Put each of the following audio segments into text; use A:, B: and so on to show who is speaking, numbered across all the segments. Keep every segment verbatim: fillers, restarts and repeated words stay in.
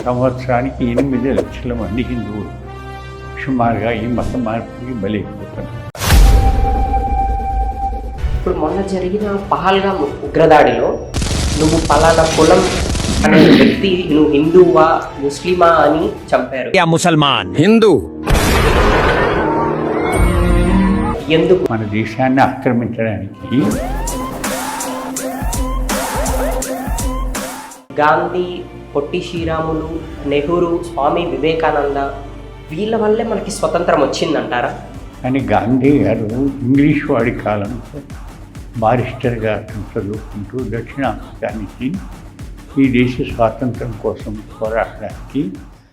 A: సంవత్సరానికి ఎనిమిది లక్షల మంది హిందువులు సుమారుగా ఈ మత మార్పుకి బలైపోతున్నారు.
B: ఇప్పుడు మొన్న జరిగిన పహల్గామ్ ఉగ్రదాడిలో నువ్వు పలానా కులం అనే వ్యక్తి నువ్వు హిందువా ముస్లిమా అని చంపారు.
C: ముసల్మాన్
D: హిందూ
B: ఎందుకు?
A: మన దేశాన్ని ఆక్రమించడానికి
B: గాంధీ, పొట్టి శ్రీరాములు, నెహ్రూ, స్వామి వివేకానంద వీళ్ళ వల్లే మనకి స్వతంత్రం వచ్చిందంటారా?
A: అని గాంధీ గారు ఇంగ్లీష్ వాడి కాలంలో బారిస్టర్గా చదువుకుంటూ దక్షిణాఫ్రికా నుంచి ఈ దేశ స్వాతంత్రం కోసం పోరాడడానికి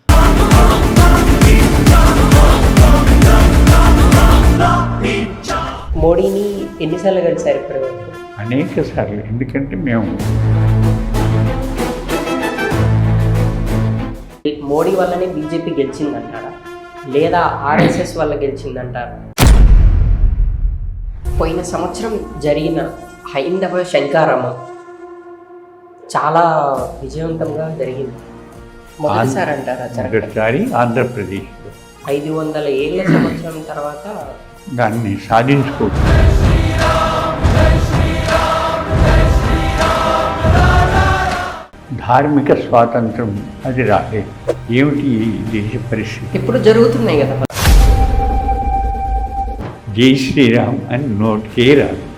B: మోడీని ఎన్నిసార్లు కలిసారు ఇప్పటి వరకు?
A: అనేక సార్లు. ఎందుకంటే మేము
B: మోడీ వల్లనే బీజేపీ గెలిచిందంటారా లేదా ఆర్ఎస్ఎస్ వల్ల గెలిచిందంటారా? పోయిన సంవత్సరం జరిగిన హైందవ శంకారామం చాలా విజయవంతంగా జరిగింది. మొదటిసారి అంటారా?
A: మొదటిసారి ఆంధ్రప్రదేశ్లో
B: ఐదు వందల ఏళ్ళ సంవత్సరం తర్వాత
A: దాన్ని సాధించుకో ధార్మిక స్వాతంత్రం అది రాలేదు. ఏమిటి ఈ దేశ పరిస్థితి?
B: ఇప్పుడు జరుగుతున్నాయి కదా.
A: జై శ్రీరామ్ అని నోటికే రాదు.